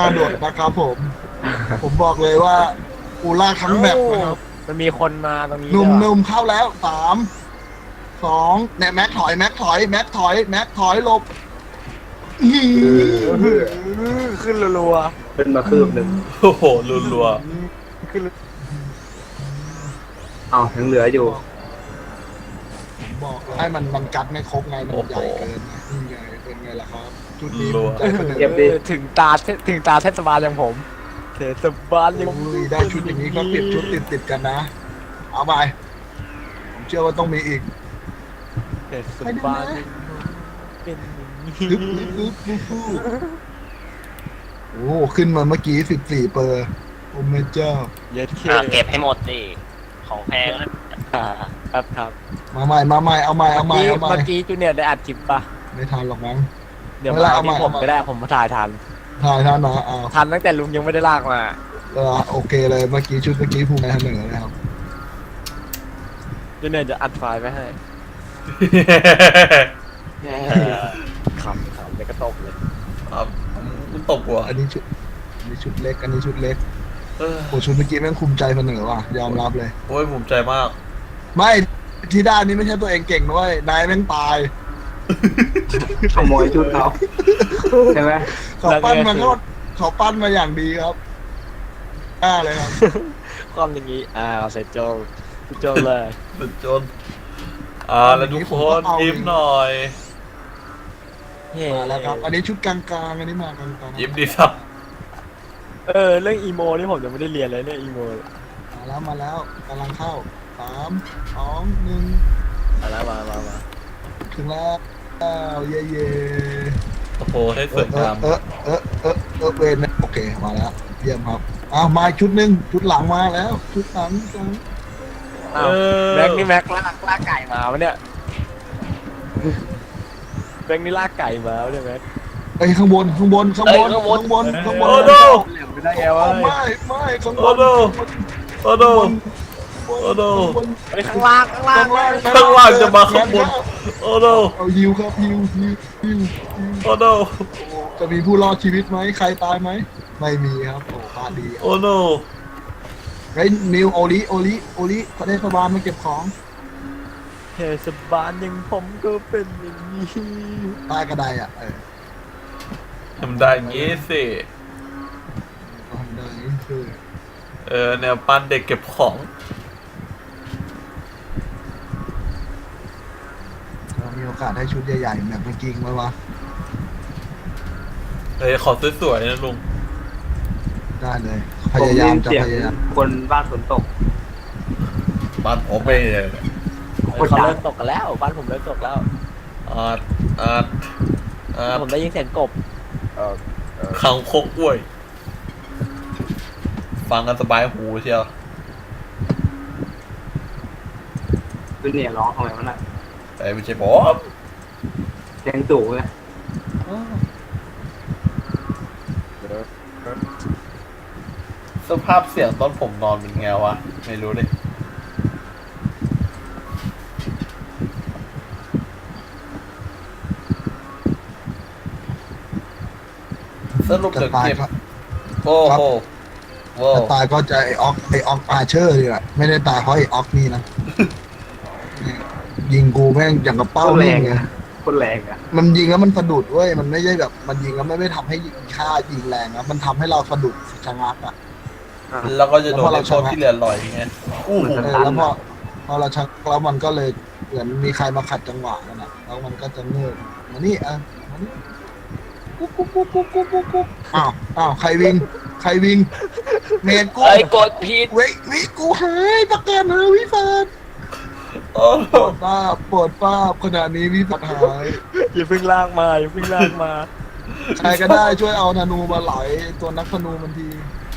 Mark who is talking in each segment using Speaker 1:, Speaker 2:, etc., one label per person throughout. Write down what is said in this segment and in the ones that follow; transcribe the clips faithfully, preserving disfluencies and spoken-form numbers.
Speaker 1: โดดนะครับผม ผมบอกเลยว่าอูล่าทั้งแบบนะครับ
Speaker 2: มันมีคนมาตรงนี้
Speaker 1: หนุ่ม
Speaker 2: ด้วย
Speaker 1: หนุ่มเข้าแล้วสามสองเนี่ยแม็กถอยแม็กถอยแม็กถอยแม็กถอยหลบอื้อหือ
Speaker 2: ขึ้นรัว
Speaker 3: ขึ้นมาคืบหนึ่ง
Speaker 4: โอ้โหรัว
Speaker 2: ๆขึ้น
Speaker 3: อ้าวยังเหลืออยู่
Speaker 1: ผมบอกเลยให้มันมันกัดไม่ครบไงมันใหญ่เกินไงนี่ไงเป็นไงล่ะครับจุดนี้ภูมิใจเสนอ
Speaker 3: เก็บดิ
Speaker 2: เออถึงตาเทถึงตาเทศบาลอย่างผมเทศบาลอย่าง
Speaker 1: ผมลุยได้ชุดอย่างนี้ก็ติดชุดติดติดๆกันนะ เอาไปผมเชื่อว่าต้องมีอีก
Speaker 2: เทศบาลอย่างเป็นอย่างนี้
Speaker 1: ลึบลึบลึบฟูฟูโอ้ขึ้นมาเมื่อกี้สิบสี่เปอร์โอ้แม่เจ้า
Speaker 2: เย็ดเค
Speaker 5: อ่ะเก็บให้หมดสิของแพงนะ
Speaker 2: อ่าครับครับ
Speaker 1: มาใหม่มาใหม่เอาใหม่เอาใหม่
Speaker 2: เมื่อกี้
Speaker 1: เอาใหม่
Speaker 2: เมื่อกี้จูเนียร์ได้อัดคลิปปะ
Speaker 1: ไม่ทันหรอกมั้ง
Speaker 2: เดี๋ยว
Speaker 1: ไม่
Speaker 2: มา
Speaker 1: เป็นไรเอาใหม่
Speaker 2: ที่ผม
Speaker 1: เอาใหม่
Speaker 2: ก็ได้ผมมาถ่ายทัน
Speaker 1: ถ่ายทันนะเอา
Speaker 2: ทันตั้งแต่ลุงยังไม่ได้ลากมา
Speaker 1: เออโอเคเลยเมื่อกี้ชุดเมื่อกี้ภูมิใจเสนอนะครับ
Speaker 2: จูเนียร์จะอัดไฟล์ไว้ให้
Speaker 4: ๆ
Speaker 5: เออ
Speaker 2: ขำขำเลยก็ตกเลย
Speaker 4: ครับมันตกหัว
Speaker 1: อันนี้ชุดอันนี้ชุดเล็กอันนี้ชุดเล็ก
Speaker 4: เออ
Speaker 1: โอ้ชุดเมื่อกี้แม่งภูมิใจเสนอว่ะยอมรับเลย
Speaker 4: โอ้ยภูมิใจมาก
Speaker 1: ไม่ที่ด้านนี้ไม่ใช่ตัวเองเก่งด้วยนายแม่งตาย
Speaker 3: ขโมยชุดเขาใช่ไหม
Speaker 1: เขาปั้นมาก็เขาปั้นมาอย่างดีครับอ่าเลยครับ
Speaker 2: ความอย่างนี้อ่าเอาเสร็จโจงโจงเลย
Speaker 4: สุดจน อ่าแล้วทุกคนยิ้มหน่อย
Speaker 2: เฮ้
Speaker 1: มาแล้วครับ อันนี้ชุดกลางๆอันนี้มากลางๆ
Speaker 4: ยิ้มดีครับ
Speaker 2: เออเรื่องอีโมนี่ผมยังไม่ได้เรียนเลยเรื่องอีโม
Speaker 1: มาแล้วมาแล้วกำลังเข้าสามสองหนึ่ง
Speaker 2: มาแล้วมามามา
Speaker 1: ถึงแล้วอ้าวเย่เย่
Speaker 4: โอ้โหให้สวย
Speaker 1: เออง
Speaker 4: าม
Speaker 1: เออเออเออเออเวนโอเคมาแล้วเยี่ยมครับอ้าวมาอีกชุดหนึ่งชุดหลังมาแล้ว ชุดหลังชุดหลัง
Speaker 2: อ้าวแม็กนี่แม็กลากลากไก่มาวะเนี่ยแม็กนี่ลากไก่มาวะเนี่ยแม็ก
Speaker 1: ไอ้ยข้างบนข้างบนข้างบนข้างบนข้างบน
Speaker 4: โอ้โน
Speaker 3: เหลือไม่ได้ไงวะ
Speaker 1: เอาไม่ไม่ข้างบ
Speaker 4: โอ้
Speaker 1: น
Speaker 4: โนโอ้โน โอ้โน
Speaker 2: ไปข้างล่างข้างล่าง
Speaker 1: ข้างล่าง
Speaker 4: ข้างล่างจะมาข้างบน โอ้โน
Speaker 1: เอาฮิวครับฮิวฮิวฮิวฮิว
Speaker 4: โอ้โน
Speaker 1: จะมีผู้รอดชีวิตไหมใครตายไหมไม่มีครับโอ้พาดี
Speaker 4: โอ้โน
Speaker 1: ไอ้นิวโอลิโอลิโอลิประเทศบาลมาเก็บของ
Speaker 2: เทศบาลอย่างผมก็เป็นอย่างนี้
Speaker 1: ใต้กระไดอ่ะเออ
Speaker 4: ทำได้อย่างงี้สิ
Speaker 1: ทำได้คือ
Speaker 4: เออแนวปั้นเด็กเก็บของ
Speaker 1: เรามีโอกาสได้ชุดใหญ่ๆแบบเมื่อกี้ไหมวะ
Speaker 4: เฮ้ยขอสวยๆนะลุง
Speaker 1: ได้เลยพ
Speaker 3: ผม
Speaker 1: ยายามจะ
Speaker 3: เสียง
Speaker 1: พยายาม
Speaker 3: คนบ้านฝนตก
Speaker 4: บ้านผมไม่เลย
Speaker 3: คน
Speaker 2: เขา
Speaker 3: ดัง
Speaker 2: เริ่มตกกันแล้วบ้านผมเริ่มตกแล้ว
Speaker 4: อาดอาดอาด
Speaker 2: ผมได้ยินเสียงกบเออ
Speaker 4: ขังคกกล้วย ฟังกันสบายหูเชียว
Speaker 3: คือเนี่ยร้องทำไมวะน่ะ
Speaker 4: แต่ไม่ใช่ผม
Speaker 3: เสียงตู่ไง
Speaker 4: สภาพเสียงตอนผมนอนเป็นไงวะ ไม่รู้เลยสรุป
Speaker 1: จะ
Speaker 4: เดี๋ยว
Speaker 1: ตาย
Speaker 4: เก็บ
Speaker 1: ก็
Speaker 4: โอ้โหโว้
Speaker 1: จะตายก็จะไอออกไอออกอาเชอร์ดีแหละไม่ได้ตายเพราะไอออกนี่นะ ยิงกูแม่งอย่างกับเป้า
Speaker 3: โคตรแร
Speaker 1: แม่
Speaker 3: ง
Speaker 1: งไง
Speaker 3: อะโคตรแรงอะ
Speaker 1: มันยิงแล้วมันสะดุดเว้ยมันไม่ใช่แบบ มันยิงแล้วไม่ไม่ทำให้ยิงค่ายิงแรงนะมันทำให้เราสะดุดชะงักอ่ะ
Speaker 4: แล้วก็จะโดน
Speaker 1: แล้วพอเรา
Speaker 4: ไอ้พวก
Speaker 1: ชนะ
Speaker 4: ที่เหลือลอยไงอู้หู
Speaker 1: เออแล้วพอพอเราชักแล้วมันก็เลยเหมือนมีใครมาขัดจังหวะกันอ่ะแล้วมันก็จะเงิบมานี่อ่ะมานี่กุ๊บกุ๊บกุ๊บกุ๊บกุ๊บกุ๊บกุ๊บอ้าวอ้าวใครวิ่งใครวิ่งเมนกู
Speaker 5: เอ้ยกดผิด
Speaker 1: เว้ยวิกูหายประกันเฮวิฟาด
Speaker 4: โอ้โห
Speaker 1: ปวดป้าบปวดป้าบขณะนี้วิฟาดหาย
Speaker 2: อย่าเพิ่งลากมาอย่าเพิ่งลากมา
Speaker 1: ใครก็ได้ช่วยเอาธนูมาไหลตัวนักธนูมันที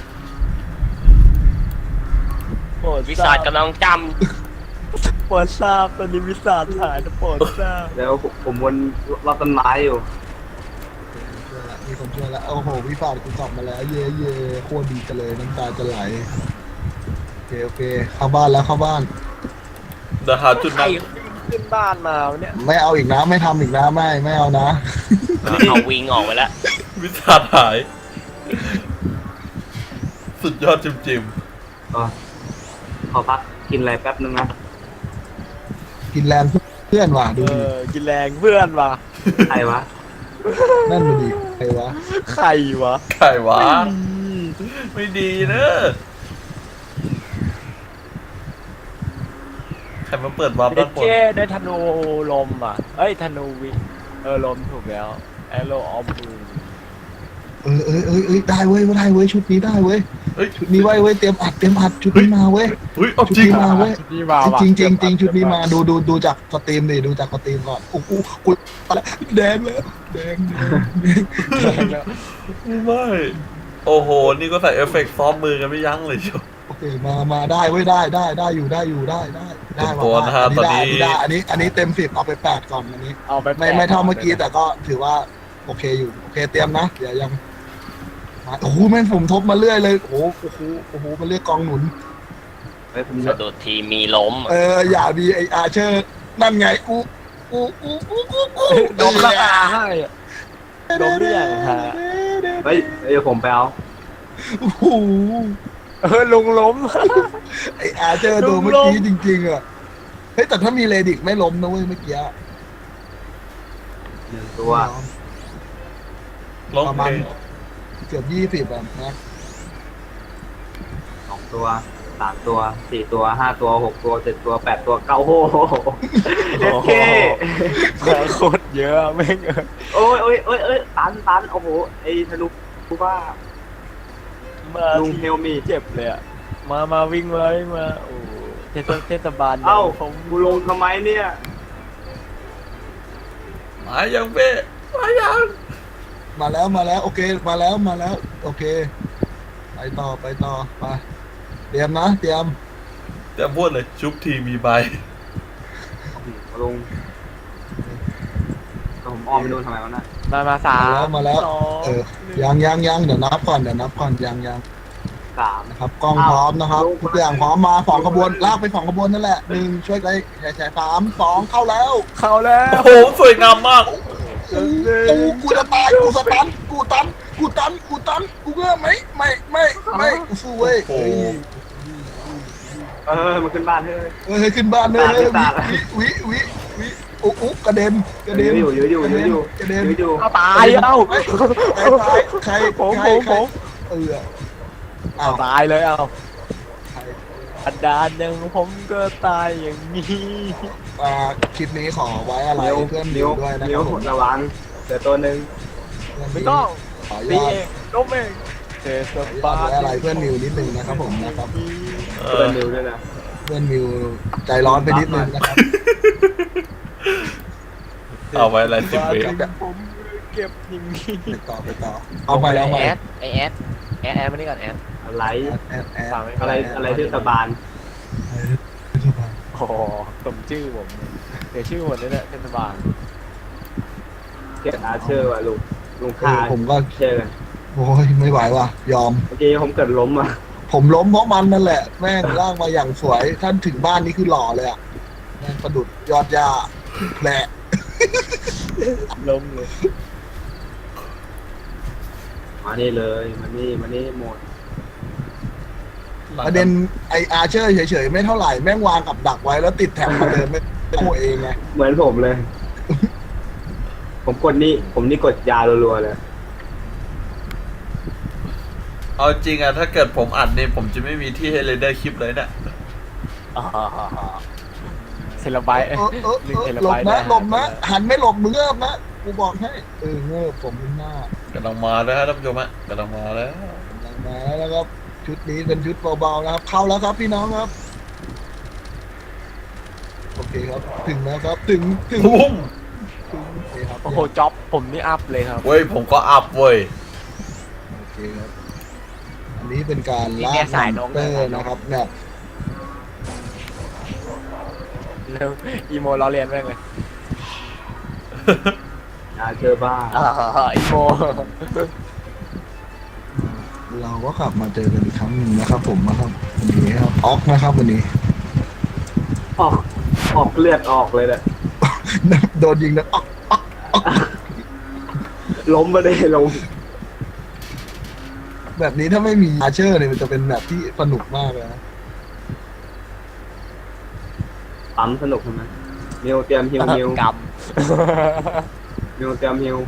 Speaker 2: โปรด
Speaker 5: วิสาจกำลังจ
Speaker 2: โปรดทราบตอนนี้วิสาจหายนะโปรดทราบ
Speaker 3: แล้วผมวนรอบต้นไม้อยู่
Speaker 1: ช่วยละมีคนช่วยแล้วโอ้โหวิฟาดกูกลับมาแล้วเย่เย่โคตรดีกันเลยน้ำตาจะไหลโอเคโอเคเข้าบ้านแล้วเข้าบ้าน
Speaker 4: เดี๋ยวหาจุด
Speaker 2: ใคร
Speaker 4: นั้น
Speaker 2: ขึ้นบ้านมาวะเนี่ย
Speaker 1: ไม่เอาอีกนะไม่ทำอีกนะไม่ไม่เอานะ
Speaker 5: ำเอาวิ่งออกไปแล้ว
Speaker 4: วิสาหายสุดยอดจิมจิม
Speaker 3: ก็ขอพักกินอะไรแป๊บนึงนะ
Speaker 1: กินแรงเพื่อนว่ะดู
Speaker 2: เอ
Speaker 1: ดิ
Speaker 2: อกินแรงเพื่อนว่ะ
Speaker 3: ใครวะ
Speaker 1: นั่นดูดิใครวะ
Speaker 2: ใครวะ
Speaker 4: ไข่วะไม่ดีเนอะใครมาเปิดวาร์ป
Speaker 2: เด็
Speaker 4: ด้าก นบน
Speaker 2: เจ้ได้ธนูลมอ่ะเอ้ยธนูวิเออลมถูกแล้วแอโรออฟบู
Speaker 1: เออเออเออเออได้เว้ยได้เว้ยชุดนี้ได้เว้ย
Speaker 4: เฮ้ย
Speaker 1: ชุดนี้ไว้เว้ยเตรียมอัดเตรียมอัดชุดนี้มาเว้ย
Speaker 4: เฮ้ยเอา
Speaker 1: ชุด
Speaker 4: จริง
Speaker 1: นี้มาเว้ย
Speaker 2: ชุดนี้มาว่ะ
Speaker 1: จริงจริงจริงชุดนี้มาดูดูดูจากสตรีมดิดูจากสตรีมก่อนโอ้โหกูอะไรแดงเลยแดงแดงแดง
Speaker 4: ไม่โอ้โหนี่ก็ใส่เอฟเฟกต์ซ้อมมือกันไม่ยั้งเลยเชียว
Speaker 1: โอเคมามาได้เว้ยได้ได้ได้อยู่ได้อยู่ได้ได้ได้
Speaker 4: เต็มตัวนะฮะ
Speaker 1: อันนี้ได้
Speaker 4: ตอนนี้
Speaker 1: ได้อันนี้อันนี้เต็มสิบเอาไปแปดก่อนอันนี้
Speaker 2: เอาไป
Speaker 1: ไม่ไม่เท่าเมื่อกี้แต่ก็ถือว่าโอเคอยู่โอเคเตรียมนะเดี๋ยวยังมาโอ้โหแม่งผมทบมาเรื่อยเลยโอ้โหโอ้โหโอ้โหมันเรียกกองหนุน
Speaker 3: เฮ้ยผม
Speaker 5: สะดุดทีมีล้ม
Speaker 1: เอออย่าดีไออาเชอร์นั่นไงกูกูกูกูกูกู
Speaker 2: ดมละอาให้อะดมเรื่องฮะ
Speaker 3: เฮ้ยเดี๋ยวผมไปเอา
Speaker 1: โอ้โห
Speaker 2: เออลุงล้ม
Speaker 1: ไออาเชอร์โดนเมื่อกี้จริงๆอ่ะเฮ้ยแต่ถ้ามีเลดิกไม่ล้มนะเว้ยเมื่อกี้
Speaker 3: หนึ่งตัว
Speaker 4: ร้อง
Speaker 1: ประ
Speaker 4: เพ
Speaker 1: มาณ
Speaker 4: ลง
Speaker 1: เกือบยี่สิบอ่ะนะ
Speaker 3: สองตัวสามตัวสี่ตัวห้าตัวหกตัวเจ็ดตัวแปดตัวเก้าโอ้โหเด็ดเค
Speaker 2: โคตรเยอะแม่งเออ
Speaker 3: โอ้ยโอ้ยโอ้ยโอ้ยตันตันโอ้โหไอ้ทะลุกูว่า
Speaker 2: มา
Speaker 3: ลุง Help me
Speaker 2: เจ็บเลยอ่ะมามาวิ่งเลยมาโอ้เทศเทศบาล
Speaker 3: เอ้า
Speaker 2: ผม
Speaker 3: กูลงทำไมเนี่ย
Speaker 4: มายังเป้มายัง
Speaker 1: มาแล้วมาแล้วโอเคมาแล้วมาแล้วโอเคไปต่อไปต่อไปเตรียมนะเตรียม
Speaker 4: จะพูดเลยชุบทีมีใบ
Speaker 3: ลงแต่ผมออมไปโดนทำไมวะน่ะ
Speaker 2: มามาสาม
Speaker 1: มาแล้ว
Speaker 2: สอง
Speaker 1: เออยังยังยังเดี๋ยวนับก่อนเดี๋ยวนับก่อนยังยัง
Speaker 3: สาม
Speaker 1: นะครับกล้องพร้อมนะครับทุกอย่างพร้อมมาสองขบวนลากไปสองขบวนนั่นแหละหนึ่งช่วยกันแชร์แชร์สามสองเข้าแล้ว
Speaker 2: เข้าแล้ว
Speaker 4: โอ้โหสวยงามมาก
Speaker 1: กูกูจะตายกูสตันกูตันกูตันกูตันกูเงื่อไหมไม่ไม่ไม่กูสู้เว้ย
Speaker 4: โอ้โห
Speaker 3: เออมันขึ้นบ้านเฮ้ย
Speaker 1: เฮ้ยขึ้นบ้านเลย
Speaker 3: ตายตาย
Speaker 1: วิวิวิวิอุ๊อุ๊กระเด็นกระเด็น
Speaker 3: ยื้ออยู่ยื้ออยู่ยื้ออยู่
Speaker 1: กระเด็น
Speaker 3: ยื้ออยู่
Speaker 2: เอาตายเอ้า
Speaker 1: ใครตายใคร
Speaker 2: ผม
Speaker 1: ใคร
Speaker 2: ผม
Speaker 1: ใคร
Speaker 2: ผม
Speaker 1: เออ
Speaker 2: เอา
Speaker 1: อ้าว
Speaker 2: ตายเลยเอา
Speaker 1: ใคร
Speaker 2: อันดานยังผมก็ตายอย่างนี้
Speaker 1: อ่าคลิปนี้ขอไว้อะไร
Speaker 3: นิ้ว
Speaker 1: เพื่อน
Speaker 3: นิ้ว
Speaker 1: ด้วยนะค
Speaker 3: นิ้ว
Speaker 1: รับผม
Speaker 3: ระวังเดี๋ยวตัวหนึ่ง
Speaker 1: เพื่อน
Speaker 2: ไม่ต้อง
Speaker 1: ขออ
Speaker 2: ตี
Speaker 1: นุญาต
Speaker 2: เองล้มเองเทศ
Speaker 1: ขออนุญา
Speaker 2: บา
Speaker 1: ต
Speaker 2: ล
Speaker 1: ไว้อะไรเพื่อนมิวนิดนึงนะครับผมนะครับ
Speaker 4: เอ
Speaker 3: ตัว
Speaker 4: อ
Speaker 3: นิ้วด้วยนะ
Speaker 1: เพื่อนมิวใจร้อนไปนิดนึงนะครับ
Speaker 4: เอาไว้อะไรสิบวิ
Speaker 2: ผมเก็บอย่างนี้
Speaker 1: ไปต่อไปต่อเอาไปเอาไป
Speaker 2: แอดไอแอดแอดแอดมานี่ก่อนแอด
Speaker 3: อะไร
Speaker 1: แอดแอด
Speaker 2: ฟังไม่
Speaker 3: อะไร อะไรเทศบาล
Speaker 2: โอ้โหสมชื่อผมเลยเดี๋ยวชื่อหมดเลยเนี่ยเทศบาล
Speaker 3: เกียรติอาเชอร์ว่ะลุงลุง
Speaker 1: เอ
Speaker 3: ค่า
Speaker 1: อผมก็
Speaker 3: เชอร์
Speaker 1: โอ้ยไม่ไหวว่ะยอม
Speaker 3: เมื่อกี้ผมเกิดล้มอ่ะ
Speaker 1: ผมล้มเพราะมันนั่นแหละ แม่งร่างมาอย่างสวย ท่านถึงบ้านนี่คือหล่อเลยอ่ะแม่งประดุดยอดยาแผล
Speaker 2: ล้มเลย
Speaker 3: มานี่เลยมานี่มานี่หมด
Speaker 1: ประเด็นไออาเชอร์เฉยๆ ไม่เท่าไหร่ แม่งวางกับดักไว้แล้วติดแท็บมาเดินไม่โอ้เองไง
Speaker 3: เหมือนผมเลย ผมกดนี่ ผมนี่กดยารัวๆเลย
Speaker 4: เอาจริงอะถ้าเกิดผมอัดเนี่ยผมจะไม่มีที่ให้เรนเดอร์คลิปเลยเนี่ย
Speaker 2: อ่าเทเลไบต์
Speaker 1: เออเออ
Speaker 2: หนึ่ง
Speaker 1: เอ
Speaker 2: เท
Speaker 1: อ
Speaker 2: เล
Speaker 1: หล
Speaker 2: ไบบ ต์
Speaker 1: นะ
Speaker 2: ได้
Speaker 1: หลบนะ หันไม่หลบมือเงิบนะ กูบอกให้ เออเงิบผมเป็นหน้าก
Speaker 4: ำลังมาแล้วฮะท่านผู้ชมฮะกำลังมาแล้ว
Speaker 1: กำลังมาแล้วนะครับ ชุดนี้เป็นชุดเบาๆนะครับ เข้าแล้วครับพี่น้องครับ โอเคครับ ถึงแล้วครับ ถึง ถึง
Speaker 4: ปุ้ม
Speaker 1: ถึงโอเคครับ
Speaker 2: โอ้โหจ็อบผมนี่อัพเลยครับ
Speaker 4: เว้ยผมก็อัพเว้ย
Speaker 1: โอเคครับ อันนี้เป็นการ
Speaker 2: นี่
Speaker 1: ลา
Speaker 2: แค่
Speaker 1: ก
Speaker 2: สายน
Speaker 1: มอก นเตอ
Speaker 2: นะ
Speaker 1: ร์นะครับแบบ
Speaker 2: แล้วอีโมล้อเลียนแม่งเลย
Speaker 3: อาเชอร์บ้า
Speaker 2: อ่าอีโม
Speaker 1: เราก็กลับมาเจอกันอีกครั้งหนึ่งนะครับ ผมนะครับวันนี้ครับออกนะครับวันนี้
Speaker 3: ออก ออกเลือดออกเลยแหละ
Speaker 1: โดนยิงนะออก
Speaker 3: ล้มมาได้ล้ม
Speaker 1: แบบนี้ถ้าไม่มีอาเชอร์เนี่ยมันจะเป็นแบบที่สนุกมากเลยนะ
Speaker 3: ปั๊มสนุกใช่ไหมมิวเตรียมฮิวมิว
Speaker 2: ก
Speaker 3: มิวเตรียมฮิว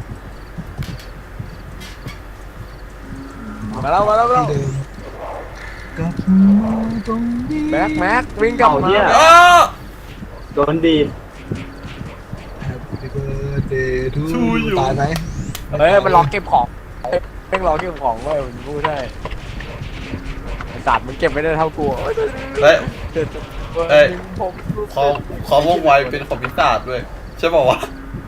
Speaker 2: ำมาแล้วมาแล้วมาแล้ว
Speaker 1: ที่เดิมกับตรงนี้
Speaker 2: แม็กแม็กวิ่งกลับมา
Speaker 4: เออ
Speaker 3: โดนดีด
Speaker 1: Happy birthday to
Speaker 4: To
Speaker 1: you
Speaker 4: you
Speaker 1: ตายไหม
Speaker 2: เฮ้ยมันล็อกเก็บของเพ่งล็อกเก็บของเว้ยมันพูดได้ไอ้สัตว์มึงเก็บไม่ได้เท่ากูเอ้ย
Speaker 4: เฮ้ย
Speaker 2: เจ็ด
Speaker 4: เอ้ย
Speaker 2: ผมรู้สึก
Speaker 4: ขอขอว่องไวเป็นของพิศาจด้วยใช่ป่าวะ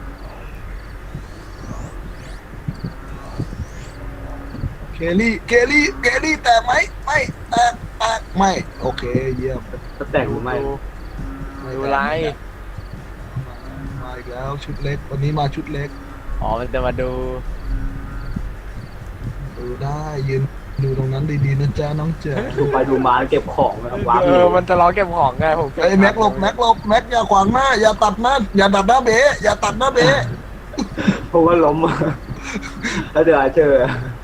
Speaker 1: เคลลี่เคลลี่เคลลี่แตกไหมไม่แตกแตกไม่โอเคเยี่ยม
Speaker 3: จะแต่งหรือไม่
Speaker 2: ดูไร
Speaker 1: มาอีกแล้วชุดเล็กวันนี้มาชุดเล็ก
Speaker 2: อ๋อมันจะมาดู
Speaker 1: ดูได้ยืนดูตรงนั้นดีๆนะจ๊ะน้องเจ๋อ
Speaker 3: ดูไปดูมาเก็บของนะครับวาง
Speaker 2: เอ
Speaker 3: มิ
Speaker 2: อ
Speaker 3: ว
Speaker 2: มันจะล็อกเก็บของไงผมเบ
Speaker 1: ไอ้ยแม็กหลบแม็กหลบแม็กอย่าขวางหน้าอย่าตัดหน้าอย่าตัดหน้าเบะอย่าตัดหน้าเบะ
Speaker 3: เพราะว่าล้ม แล้วเดี๋ยวอาเชอร์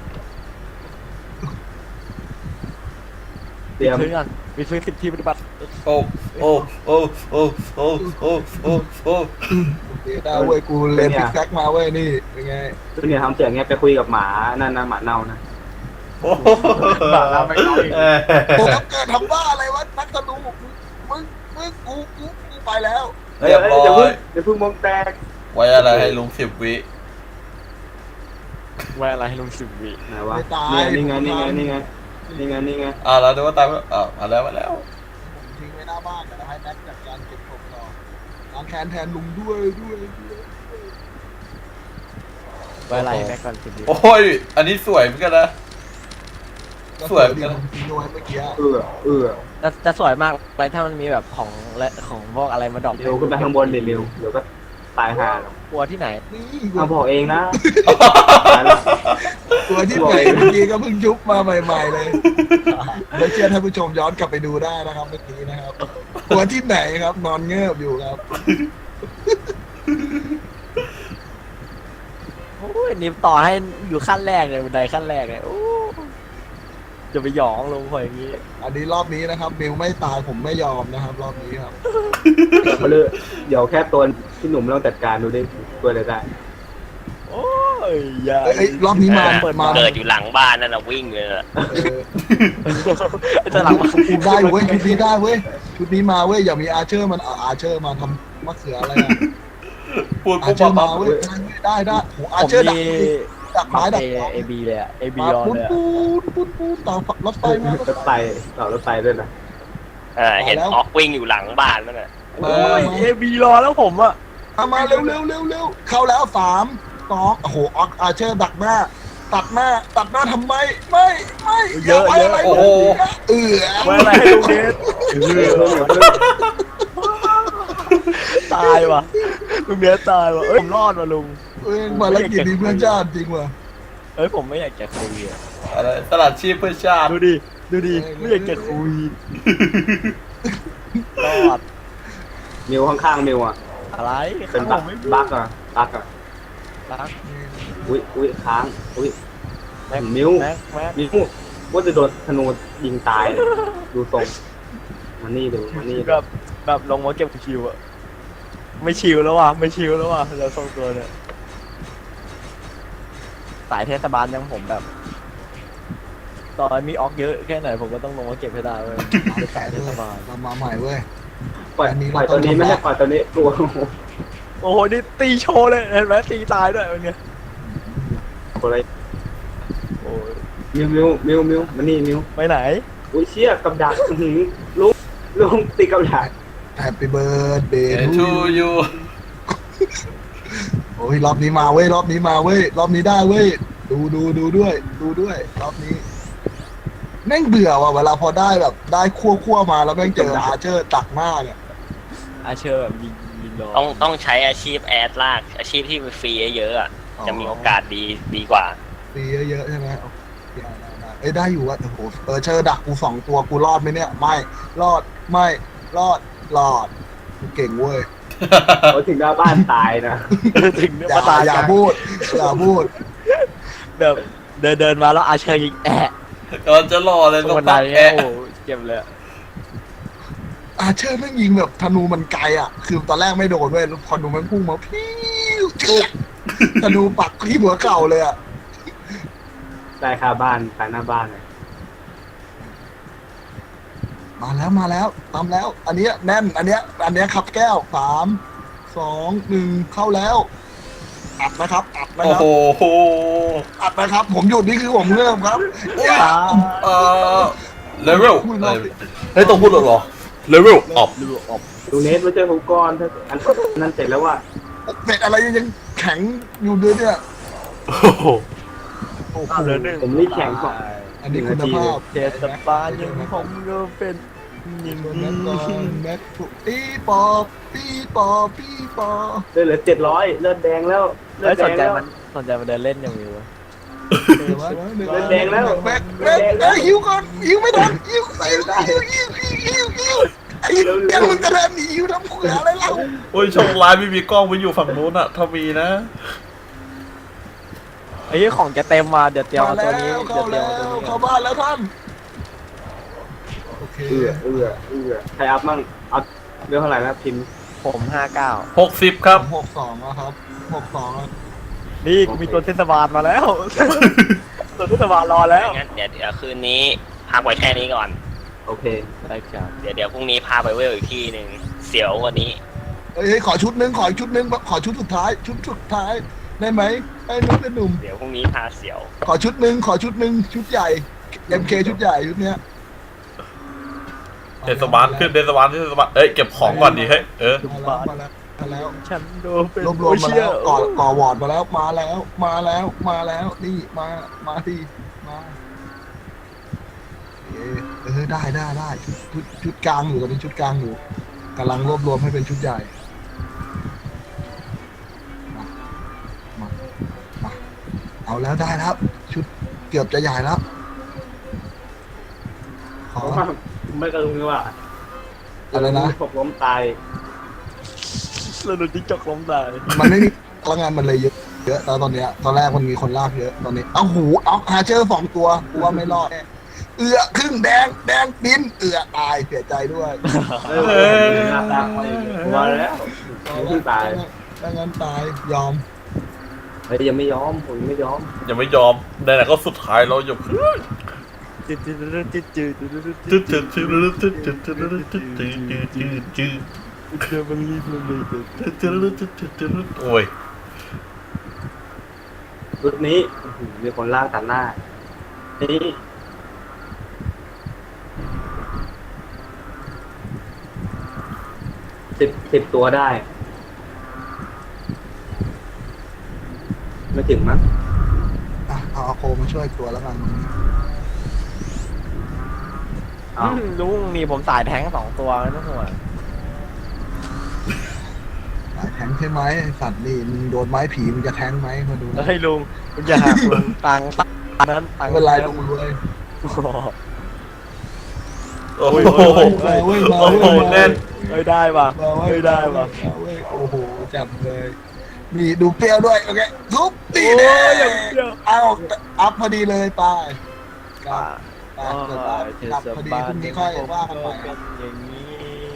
Speaker 3: เตรียม
Speaker 2: ซื้อกันมีซื้อสิบที่ปฏิบัติ
Speaker 4: โอ้โอ้โอ้โอ้โอ้โอ้โอ้โอ้
Speaker 1: โอเคได้เว้ยกูเรียนพิกแซกมาเว้ยนี่เป็นไง
Speaker 3: คือเนี่ยทำเสียงเงี้ยไปคุยกับหมานั่นนะหมาเน่านะ
Speaker 4: โอ้
Speaker 2: บาเราไม่เอาอีก
Speaker 4: เออ
Speaker 1: โอ้แล้วเกิดทำบ้าอะไรวะนักธนูมึงมึงกูกูกูไปแล้ว
Speaker 3: เฮ้ยเฮ้ยเดี๋ยวเพิ่งเดี๋ยวเพิ่งมองแตก
Speaker 4: ไว้อะไรให้ลุงสิบวิ
Speaker 2: ไว้อะไรให้ลุงสิบวิ
Speaker 3: ไหนวะนี่นี่ไงนี่ไงนี่ไงนี่ไงนี่ไง
Speaker 4: อ่าแล้วดูว่าตามอ่ามาแล้วมาแล้ว
Speaker 1: ผมทิ้งไว้หน้าบ้านแต่ให้แม็กจัดการเก็บของต่อล้างแค้นแทนลุงด้วยด้วยด้วย
Speaker 2: ไว้อะไรให้แม็กก่อนสิบวิ
Speaker 4: โอ้ยอันนี้สวยเหมือนกันนะ สวยเหมือน
Speaker 1: ดี
Speaker 4: กัน
Speaker 1: ผมทิ้งเอาไว้เมื่อกี้
Speaker 3: เออเออ
Speaker 2: จะจะสวยมากไปถ้ามันมีแบบของและของพวกอะไรมาดรอป
Speaker 3: เร็วขึ้นไปข้างบนเร็วเดี๋ยวก็ตายห่าแล้ว
Speaker 2: กลัวที่ไหน
Speaker 1: นี่
Speaker 3: เอาบอกเองนะ
Speaker 1: ตัวที่ไหนเมื่อกี้ก็เพิ่งยุบมาใหม่ๆเลยไม่เชื่อท่านผู้ชมย้อนกลับไปดูได้นะครับเมื่อกี้นะครับตัวที่ไหนครับนอนเงือบอยู่ครับ
Speaker 2: โอ้ยนี่ต่อให้อยู่ขั้นแรกเลยบันไดขั้นแรกเลยโอ้จะไปหยองลงคอยอย่างนี้
Speaker 1: อันนี้รอบนี้นะครับมิวไม่ตายผมไม่ยอมนะครับ รอบนี้ครับ
Speaker 3: มาเลยเดี๋ยวแค่ตัวที่หนุ่มต้องจัดการดูดิตัวอะไรได้
Speaker 2: โอ้ยอย่า
Speaker 1: เอ้ยเอ้ยรอบนี้มา
Speaker 5: เปิด
Speaker 1: มา
Speaker 5: เกิดอยู่หลังบ้านนั่นน่ะวิ่งเลยน่ะ
Speaker 1: เออ
Speaker 2: จะหลังมา
Speaker 1: ชุดได้เว้ยชุดนี้ได้เว้ยชุดนี้มาเว้ยอย่ามีอาเชอร์มันเอาอาเชอร์มาทำมะเขืออะไรอะ
Speaker 4: พูด
Speaker 1: อา
Speaker 4: ปุ๊บ
Speaker 1: เชอ
Speaker 4: ปั๊บ
Speaker 1: ร์มา
Speaker 4: ปั๊บ
Speaker 1: เว้ยได้ได้โหอา
Speaker 2: ผม
Speaker 1: เชอร์ดัก
Speaker 2: มี
Speaker 1: ดักไม้ดัก
Speaker 2: เอบีเลยอะเอบี
Speaker 1: มา
Speaker 2: ออน
Speaker 1: ปูน
Speaker 2: เลยอะ
Speaker 1: ปูนปูนปูนต่อรถไฟมาร
Speaker 3: ถไฟต่อรถไฟด้วยนะ
Speaker 5: เออเห็นออกวิ่งอยู่หลังบ้านนั่นน่ะ
Speaker 1: มา
Speaker 2: โอ้ย
Speaker 1: มา
Speaker 2: เอบีรอแล้วผมอะ
Speaker 1: มามาเร็วเร็วเร็วเร็วเข้าแล้วสามสองโอ้โหออกอาเชอร์ดักหน้า ตัดหน้าตัดหน้าทำไมไม่ไม่ย่าไว้อะไร
Speaker 4: โอ้โห
Speaker 1: เออ
Speaker 2: ไว้อะไรให้ลุงเนส
Speaker 3: เดี๋ยวเพิ่งเดี๋ยวเพิ่ง
Speaker 2: ตายว่ะลุงเนสตายว่ะเอ้ยผมรอดว่ะลุง
Speaker 1: เอ้ยมาแล้วกินดีเพื่อนชาติจริงว่ะ
Speaker 2: เอ้ยผมไม่อยากจะคุยอะ
Speaker 4: อะไรสลัดชีพเพื่อชาติ
Speaker 2: ดูดิดูดิไม่อยากจะคุยรอด
Speaker 3: มิวข้างๆมิวอ่ะ
Speaker 2: อะไร
Speaker 3: เป็น
Speaker 2: ข้า
Speaker 3: บั
Speaker 2: ง
Speaker 3: ก
Speaker 2: ไม่
Speaker 3: บักอ่ะบักอ่ะ
Speaker 2: รัก
Speaker 3: อุ้ยอุ้ยค้างอุ้ย
Speaker 2: แม็ก
Speaker 3: มิว
Speaker 2: แม็กแม็ก
Speaker 3: มิวว่าจะโดนธนูยิงตายเลยดูทรงมานี่ดูมานี่
Speaker 2: แบบแบบลงมาเก็บคิวอะไม่ชิวแล้วว่ะไม่ชิวแล้วว่ะเราทรงตัวเนี่ยสายเทศบาลยังผมแบบตอนมีออกเยอะแค่ไหนผมก็ต้องลงมาเก็บให้ได้เว้ยเป็นสายเทศบาล
Speaker 1: เรามาใหม่เว้ย
Speaker 3: ปล่อย
Speaker 1: อันนี้
Speaker 3: ปล่อย
Speaker 1: เราต้
Speaker 3: ตั
Speaker 1: อ
Speaker 3: ว
Speaker 1: ง
Speaker 3: นี้ไม่
Speaker 1: ทำ
Speaker 3: ใช่ปล่อยตัวนี้ตัว
Speaker 2: โอ้โหนี่ตีโชว์เลยเห็นไหมตีตายด้วยวันเนี้ย
Speaker 3: อะไร
Speaker 2: โอ้ย
Speaker 3: มิวมิวมิวมิวมานี่มิว
Speaker 2: ไปไหน
Speaker 3: อุ้ยเชี่ยกับดักอื้อหือลุงลุงตีกับดัก
Speaker 1: แฮปปี้เบิร์ดเดย์
Speaker 4: ทูยู
Speaker 1: โอ้ยรอบนี้มาเว้ยรอบนี้มาเว้ยรอบนี้ได้เว้ยดูดูดูด้วย ดูด้วยรอบนี้แม่งเบื่อว่ะเวลาพอได้แบบได้คั่วคั่วมาแล้วแม่งเจออาเชอร์ตักหน้าเนี่ย
Speaker 2: อาเชอร์แบบยิงยิงรอ
Speaker 5: ต้องต้องใช้อาชีพแอดลากอาชีพที่ฟรีเยอะๆอ่ะจะมีโอกาสดีดีกว่า
Speaker 1: ตีเยอะๆใช่ไหมโอเคได้ได้ได้เอ้ยได้อยู่ว่ะโอ้โหเออเชอร์ดักกูสองตัวกูรอดไหมเนี่ยไม่รอดไม่รอดรอดกูเก่งเว้ย
Speaker 3: เขาถึงหน้าบ้านตายนะ
Speaker 2: ถึงเนี่ย
Speaker 1: อย่า
Speaker 2: มาตาย
Speaker 1: อย่า
Speaker 2: กัน
Speaker 1: พูดอย่าพูด
Speaker 2: แบบเดินเดินมาแล้วอาเชอร์ยิงแอะ
Speaker 4: กำลังจะรอเลย
Speaker 2: ต
Speaker 4: ต้
Speaker 2: ร
Speaker 4: อง ง
Speaker 2: บันได
Speaker 4: พัก
Speaker 2: เนี่ย
Speaker 4: แอะ
Speaker 2: โอ้โหเจ็บเลยอะ
Speaker 1: อาเชอร์แม่งยิงแบบธนูมันไกลอ่ะ คือตอนแรกไม่โดนเว้ยพอดูมันพุ่งมาพิ้วเจี๊ยบธนูปักที่หัวเข่าเลยอ่ะ
Speaker 3: ได้ค่าบ้านขายหน้าบ้านเลย
Speaker 1: มาแล้วมาแล้วตามแล้ว อันเนี้ยแน่น อันเนี้ย อันเนี้ยขับแก้วสามสองหนึ่งเข้าแล้วอัดนะครับอัดนะ
Speaker 4: โอ้
Speaker 1: ครับ
Speaker 4: โห
Speaker 1: อัดนะครับ ผมหยุดนี่คือผมเริ่มครับ
Speaker 2: อ่า
Speaker 4: เอ่อเลเวลเฮ้ยต้องพูดเหรอเลเวลออฟ
Speaker 2: ดูออก
Speaker 3: ดูเนสมาเจอผมก่อนถ้าอันนั้นเสร็จแล้วว่า
Speaker 1: เป็ดอะไรยังแข็งอยู่เลยเนี่ย
Speaker 4: โอ้โห
Speaker 1: โอ้โห
Speaker 2: เหลือหนึ่ง
Speaker 3: ผมรีบแข่งก่อน
Speaker 1: อันนี้คุณภาพ
Speaker 2: เทศบาลยังผมก็เป็นอย่าง
Speaker 1: แม็
Speaker 2: นี้
Speaker 1: กก่อนแม็กปีปอปีปอปีปอ
Speaker 3: เลือดเหลือเจ็ดร้อยเลือดแดงแล้วเลือ
Speaker 2: ไม่
Speaker 3: ดแด
Speaker 2: สน
Speaker 3: ง
Speaker 2: ใจ
Speaker 3: แล้ว
Speaker 2: มันสนใจมันเดินเล่นอย่างนี้วะ
Speaker 1: เออวะ
Speaker 3: เลือดแดงแล้ว
Speaker 1: แม็กแม็กแม็กหิวก่อนหิวไม่ทันหิวหิวหิวหิวหิวหิวไอ้แกมึงจะเดินหนีหิวทำเขืออะไรเล่า
Speaker 4: โอ้ยโชคร้ายไม่มีกล้องไปอยู่ฝั่งนู้นอะถ้ามีนะ
Speaker 2: ไอ้ของจะเต็มมาเดี๋ยวเตรียม
Speaker 1: มา
Speaker 2: เอา
Speaker 1: แล้
Speaker 2: ตัวนี้
Speaker 1: ว
Speaker 2: เดี๋
Speaker 1: เข้า
Speaker 2: ยวเตรีย
Speaker 1: แล้
Speaker 2: มเอาตัว
Speaker 1: ว
Speaker 2: นี้
Speaker 1: เข้าบ้านแล้วท่านโอเค
Speaker 3: เอื้อเอื้อเอื้อใครอัพมั่งเอาเรื่องเท่าไหร่นะพิมพ์
Speaker 2: ผมห้าเก้า
Speaker 4: หกสิบครับ
Speaker 1: หกสองแล้วครับหกสองแล้ว
Speaker 2: นี่มีตัวเทศบาลมาแล้ว ตัวเทศบาลรอแล้ว
Speaker 5: งั้นเดี๋ยวเดี๋ยวคืนนี้พักไว้แค่นี้ก่อน
Speaker 3: โอเค
Speaker 2: ได้ครับ
Speaker 5: เดี๋ยวเดี๋ยวพรุ่งนี้พาไปเวลอีกที่หนึ่งเสียวกวันนี้
Speaker 1: เฮ้ยขอชุดนึงขออีกชุดนึงขอชุดสุดท้าย ชุดสุดท้ายได้ไหมไอ้นุ่มไอ้หนุ่ม
Speaker 5: เดี๋ยวพรุ่งนี้พาเสียว
Speaker 1: ขอชุดหนึ่งขอชุดหนึ่งชุดใหญ่ เอ็ม เค ชุดใหญ่ชุดเนี้ย
Speaker 4: เทศบาลขึ้นเทศบาลเทศบาลเอ้ยเก็บของก่อนดิเฮ้ยเออ
Speaker 1: มาแล้วมาแล้วมาแล้ว
Speaker 2: ฉันโดนเป็น
Speaker 1: รวบรวมมาแล้วก่อก่อวอร์ดมาแล้วมาแล้วมาแล้วมาแล้วนี่มามาที่มาเออเออได้ได้ได้ชุดชุดชุดกลางอยู่ตอนนี้ชุดกลางอยู่กำลังรวบรวมให้เป็นชุดใหญ่มามามาเอาแล้วได้แล้วชุดเกือบจะใหญ่แล้วข
Speaker 3: เพ
Speaker 1: อ
Speaker 3: ราะว่าไม่กระลุงว่า
Speaker 1: อะไรนะ
Speaker 3: ผมล้มตาย
Speaker 2: แล้วโดนจิ้งจกล้มตาย
Speaker 1: มันไม่มีพลังงานมันเลยเยอะเยอะแล้วตอนเนี้ยตอนแรกมันมีคนลากเยอะตอนนี้เอาหูเอาฮาเจอร์สองตัวกูว่าไม่รอดแน่เอือครึ่งแดงแดงบินเอือตายเสียใจด้วย
Speaker 3: เออหน้าตาไปมาแล้วเพิ่งตาย
Speaker 1: ถ้างั้นตายยอม
Speaker 3: เฮ้ยยังไม่ยอมผมยังไม่ยอม
Speaker 4: ยังไม่ยอมไหนๆก็สุดท้ายเราอย่าเพิ่ง
Speaker 2: จืดจืดจืดจืดจืดจืด
Speaker 4: จืดจืดจืดจืดจืดจืดจืดจืดจืดจืดจืดจืด
Speaker 2: เดี๋ยวมันรีบเลย
Speaker 4: จืดจืดจืดจืดจืดโอ้ย
Speaker 3: รุดนี้โอ้โหมีคนลากตัดหน้านี่สิบสิบตัวได้ ไม่ถึงมั้ง
Speaker 1: อ่ะเอาอาโคมาช่วยตัวแล้วกัน
Speaker 3: เอา
Speaker 2: ลุงนี่ผมสายแท้งสองตัวไม่ต้องห่วง
Speaker 1: สายแทงใช่ไหมไอ้สัตว์นี่มึงโดนไม้ผีมึงจะแทงไหมมาดูนะ
Speaker 2: เฮ้ยลุงคุณอย่าหักลุงตังค์ตังค์นั้นตัง
Speaker 1: ไม่
Speaker 2: ค์
Speaker 1: เป็นไรลงรวย
Speaker 4: โอ้โห
Speaker 1: มาเว้ยมา
Speaker 4: โอ้
Speaker 1: เว้ย
Speaker 4: โหแน่น
Speaker 2: เฮ้ยได้ป่ะ
Speaker 1: มาเว้ย
Speaker 2: เฮ้ยได้ป่ะ
Speaker 1: มาเว้ยโอ้โหจับเลยนี่ดูเปรี้ยวด้วยโอเคทุบตี
Speaker 2: โอ้
Speaker 1: เด้
Speaker 2: ยอย่างเดียว
Speaker 1: เอาอัพพอดีเลยไปกลั
Speaker 2: ป่า
Speaker 1: บไปเกิดอัพกลับพอดีพรุ่งนี้ค่อยว่ากันใหม่ครับ
Speaker 2: อย่างนี้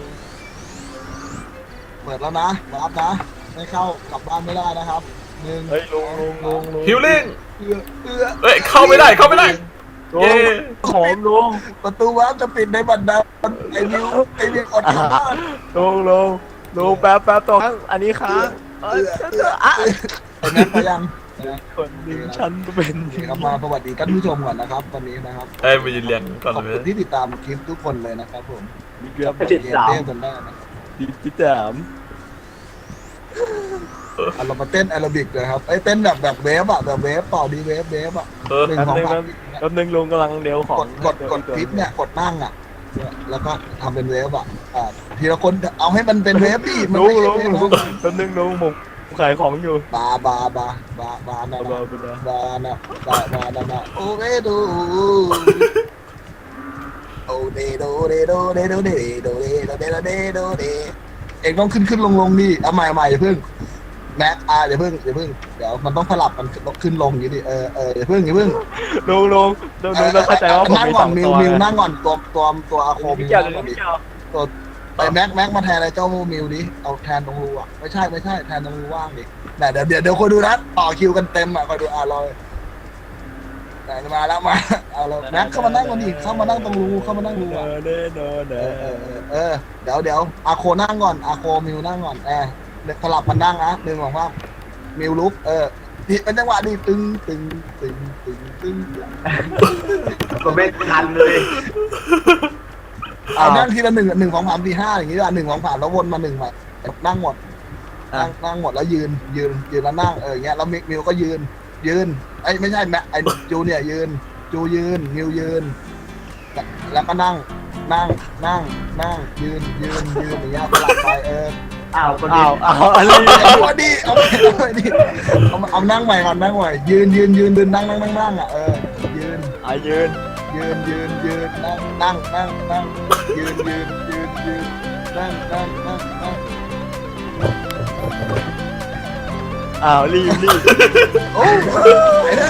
Speaker 1: เปิดแล้วนะรับนะไม่เข้ากลับบ้านไม่ได้นะครับหนึ่ง
Speaker 2: เฮ้ยลุงลุงลุงลุง
Speaker 4: ฮิลลิ่ง
Speaker 1: เอื้อเอื้อ
Speaker 4: เอ้ยเข้าไม่ได้เข้าไม่ได้
Speaker 2: ลุ
Speaker 4: เย้
Speaker 2: งหอมลุง
Speaker 1: ประตูวัดจะปิดในบันไดไอ้วิวไอ้วิวอดกลับบ้าน
Speaker 2: ลุงลุงลุงแป๊บแป๊บตรงอันนี้ค้างเอ้ยอ่ะ
Speaker 1: ไอ้แม็กไปยัง
Speaker 2: คนหนึ่งฉันเป็น
Speaker 1: โอเคครับมาสวัสดีท่านผู้ชมก่อนนะครับตอนนี้นะครับ
Speaker 4: เอ้ยไปยืนเรียงก่อน
Speaker 1: ขอบ
Speaker 4: เล
Speaker 1: คุณ
Speaker 4: ย
Speaker 1: ที่ติดตามคลิปทุกคนเลยนะครับผม
Speaker 2: ดีเกือบ
Speaker 3: ให้ติด
Speaker 1: เกม
Speaker 3: สาม
Speaker 1: เต้นกันได้นะครับ
Speaker 2: ดีที่สาม
Speaker 1: อ่ะเรามาเต้นแอโรบิกเลยครับไอ้ยเต้นแบบแบบเวฟอะแบบเวฟต่อดีเวฟเวฟอะ
Speaker 4: เออ
Speaker 1: หนึ่ง
Speaker 2: แป๊บ
Speaker 1: สอง
Speaker 2: นึง
Speaker 1: สาม
Speaker 2: แป๊บนึงลุงกำลังเดียวของ
Speaker 1: กดกดกดคลิปเนี่ยกดนั่งอะแล้วก็ทำเป็นเวฟอะอ่าทีละคนเอาให้มันเป็นเวฟดิมัน
Speaker 2: ลุ
Speaker 1: ไม่
Speaker 2: ง
Speaker 1: ใช่
Speaker 2: ลุง
Speaker 1: เวฟ
Speaker 2: ลุง
Speaker 1: นะ
Speaker 2: แป๊บนึงลุงผมขายของอยู่
Speaker 1: บาบาบาบาบานะ
Speaker 2: เอา
Speaker 1: นะ
Speaker 2: ไปเลย
Speaker 1: บานะบาบานะนะโอเรโดโอเดโดเดโดเดโดเดโดเดโดเดโดเดโดเดเอ็งต้องขึ้นขึ้นลงลงดิเอาใหม่ใหม่อย่าเพิ่งแม็กอ่าเดี๋ยวเพิ่งเดี๋ยวเพิ่งเดี๋ยวมันต้องสลับมันขึ้นลงอย่างนี้ดิเออเออเดี๋ยวเพิ่งเดี๋ยวเพิ่ง
Speaker 2: ลุงลุงลุงลุงต้องเข้าใจว่าผม
Speaker 1: นั่ง
Speaker 2: มี
Speaker 1: ก่
Speaker 2: ส
Speaker 1: อน
Speaker 2: อง
Speaker 1: มิ
Speaker 2: ตัว ว
Speaker 1: มิวนั่งก่อนตัวตัวตัวอาโคมิ
Speaker 2: พี่
Speaker 1: ว
Speaker 2: เจ้า
Speaker 1: นั่ง
Speaker 2: ลุ
Speaker 1: ก่อง นดิ
Speaker 2: พี่เจ้า
Speaker 1: ตัวไอ้แม็กแม็กมาแทนอะไรเจ้ามิวดิเอาแทนตรงรูอ่ะไม่ใช่ไม่ใช่แทนตรงรูว่างดิแต่เดี๋ยวเดี๋ยวเดี๋ยวคอยดูนะต่อคิวกันเต็มอ่ะคอยดูอ่ะรอแต่มาแล้วมาเอาแล้วแม็กเข้ามานั่งก่อนดิเข้ามานั่งตรงรูเข้ามานั่งรูอ่ะ
Speaker 2: เด้อเด้อเด้
Speaker 1: เอ
Speaker 2: อ
Speaker 1: อเออเออเดี๋ยวเดี๋ยวอาโคนั่งก่อนอาโคมิวนั่งก่อนแอร์สลับมันนั่งนะหนึ่งสองสามมิวลุกเออนี่เป็นจังหวะดีตึงตึงตึงตึงตึง
Speaker 3: ก็ไม่ทันเลย
Speaker 1: เอานั่งทีละหนึ่งหนึ่งสองสามสี่ห้าอย่างงี้อ่ะหนึ่งสองสามแล้ววนมาหนึ่งใหม่นั่งหมดนั่งนั่งหมดแล้วยืนยืนยืนแล้วนั่งเอออย่างเงี้ยแล้วมิวก็ยืนยืนไอ้ไม่ใช่แม็กไอ้จูเนี่ยยืนจูยืนมิวยืนแล้วก็นั่งนั่งนั่งนั่งยืนยืนยืนอย่างเงี้ยสลับไปเออ
Speaker 3: อ้าวคนนี้
Speaker 2: อ้าวอ้าวอะไร
Speaker 1: เอาเอาดิเอาเอาดิเอาเอานั่งใหม่ก่อนนั่งใหม่ยืนยืนยืนยืนนั่งนั่งนั่งนั่งอ่ะเออยืน
Speaker 2: อ่ะยืน
Speaker 1: ยืนยืนยืนนั่งนั่งนั่งนั่งยืนยืนยืนยืนนั่งนั่งนั่งนั่ง
Speaker 2: อ้าวรีบรีบ
Speaker 1: โอ้ไอ้นั่ง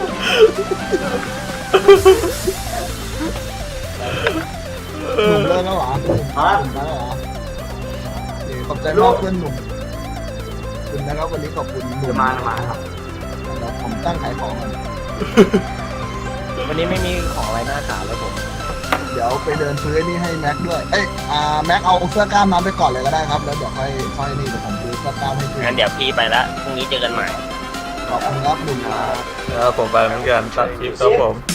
Speaker 1: หนุ่มเลิกแล้วเหรอหนุ่ม
Speaker 3: ฮะ
Speaker 1: แล้วเหรอนี่ขอบใจมากเพื่อนหนุ่มขอบคุณนะครับวันนี้ขอบคุณหนุ่
Speaker 3: จะ
Speaker 1: ม
Speaker 3: มาจะมาครับ
Speaker 1: เดี๋ยวผมตั้งขายของก่อน
Speaker 2: วันนี้ไม่มีของอะไรน่าขายเลยผม
Speaker 1: เดี๋ยวไปเดินซื้อไอ้นี่ให้แม็กด้วย เอ้ย อ่า แม็กเอาเสื้อกล้ามมาไปก่อนเลยก็ได้ครับ แล้วเดี๋ยวค่อยค่อยนี่เดี๋ยวผมซื้อเสื้อกล้ามให้คุณ
Speaker 5: งั้นเดี๋ยวพี่ไปละพรุ่งนี้เจอกันใหม่
Speaker 1: ขอบคุณครับหนุ่มครับ
Speaker 4: แล้วผมไปเหมือนกันตัดคลิปครับผม